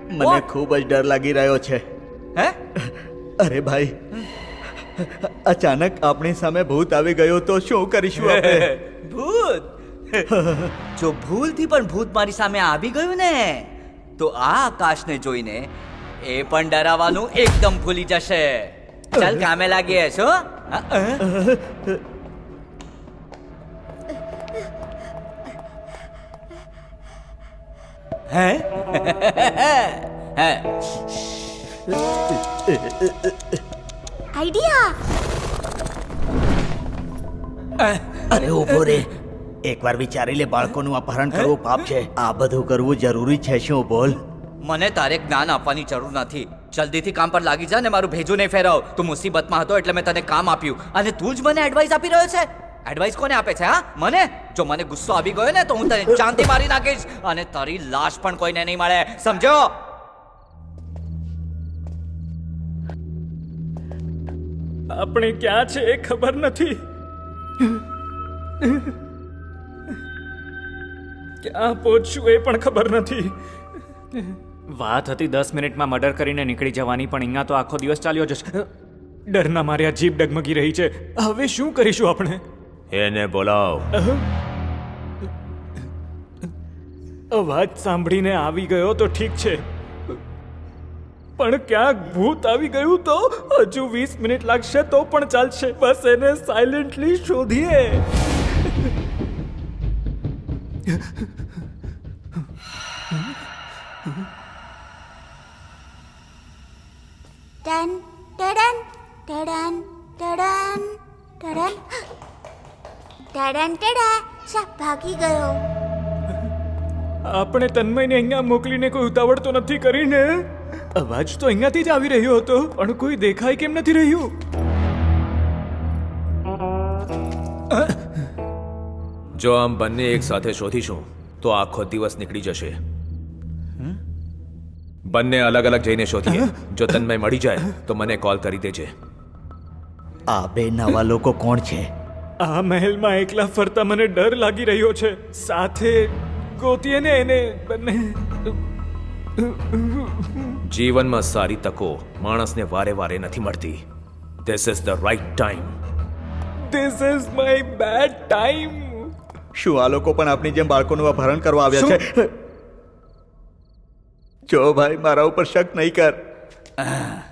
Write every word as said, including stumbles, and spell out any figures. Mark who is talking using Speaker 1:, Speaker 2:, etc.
Speaker 1: મને ખૂબ જ ડર લાગી રહ્યો છે.
Speaker 2: હે?
Speaker 1: અરે ભાઈ, અચાનક આપણી સામે ભૂત આવી ગયો તો શું કરીશું આપણે?
Speaker 2: ભૂત? જો ભૂલથી પણ ભૂત મારી સામે આવી ગયું ને તો આ આકાશને જોઈને એ પણ ડરાવાનું એકદમ ભૂલી જશે. ચાલ કામે લાગીએ છો. હે? હે?
Speaker 3: આઈડિયા.
Speaker 1: અરે ઉભો રે, એકવાર વિચારી લે. બાળકોનું અપહરણ કરવું પાપ છે. આ બધું કરવું જરૂરી છે શું? બોલ.
Speaker 2: મને તારે જ્ઞાન આપવાની જરૂર નથી. જલ્દીથી કામ પર લાગી જા ને મારું ભેજું નહીં ફેરવ. તું મુસીબતમાં હતો એટલે મેં તને કામ આપ્યું અને તું જ મને એડવાઇસ આપી રહ્યો છે. એડવાઇસ કોને આપે છે? હા, મને? જો મને ગુસ્સો આવી ગયો ને તો હું તને જાનથી મારી નાખીશ અને તારી લાશ પણ કોઈને નહીં મળે, સમજો?
Speaker 4: આપણે ક્યાં છે એ ખબર નથી. ક્યાં પહોંચશું એ પણ ખબર નથી. વાત હતી દસ મિનિટમાં મર્ડર કરીને નીકળી જવાની, પણ અહીંયા તો આખો દિવસ ચાલ્યો જશે. ડરના માર્યા જીભ ડગમગી રહી છે. હવે શું કરીશું આપણે?
Speaker 5: એને બોલાવ.
Speaker 4: અવાજ સાંભળીને આવી ગયો તો ઠીક છે, પણ ક્યાંક ભૂત આવી ગયું તો હજુ વીસ મિનિટ લાગશે તો પણ ચાલશે. બસ એને સાયલેન્ટલી શોધીએ.
Speaker 3: ટન ટડન ટડન ટડન ટડન ટડન ટડા. શા ભાગી ગયો?
Speaker 4: આપણે તન્મયને અહીંયા મોકલીને કોઈ ઉતાવળ તો નથી કરીને? અવાજ તો અહીંયાથી જ આવી રહ્યો હતો, પણ કોઈ દેખાય કેમ નથી રહ્યું?
Speaker 5: જો આમ બંને એક સાથે શોધીશું તો આખો દિવસ નીકળી જશે. બંને અલગ અલગ જઈને શોધીએ. જો તન્મય મળી જાય તો મને કોલ કરી દેજે.
Speaker 1: આ બે નવા લોકો કોણ છે?
Speaker 4: આ મહેલમાં એકલા ફરતા મને ડર લાગી રહ્યો છે. સાથે ગોતીએ ને એને બંને.
Speaker 5: જીવનમાં સારી તકો માણસને વારે વારે નથી મળતી. This is the right time.
Speaker 4: This is my bad time.
Speaker 1: શું આ લોકો પણ આપણી જેમ બાળકોનું અપહરણ કરવા આવ્યા છે? જો ભાઈ, મારા ઉપર શક નહીં કર.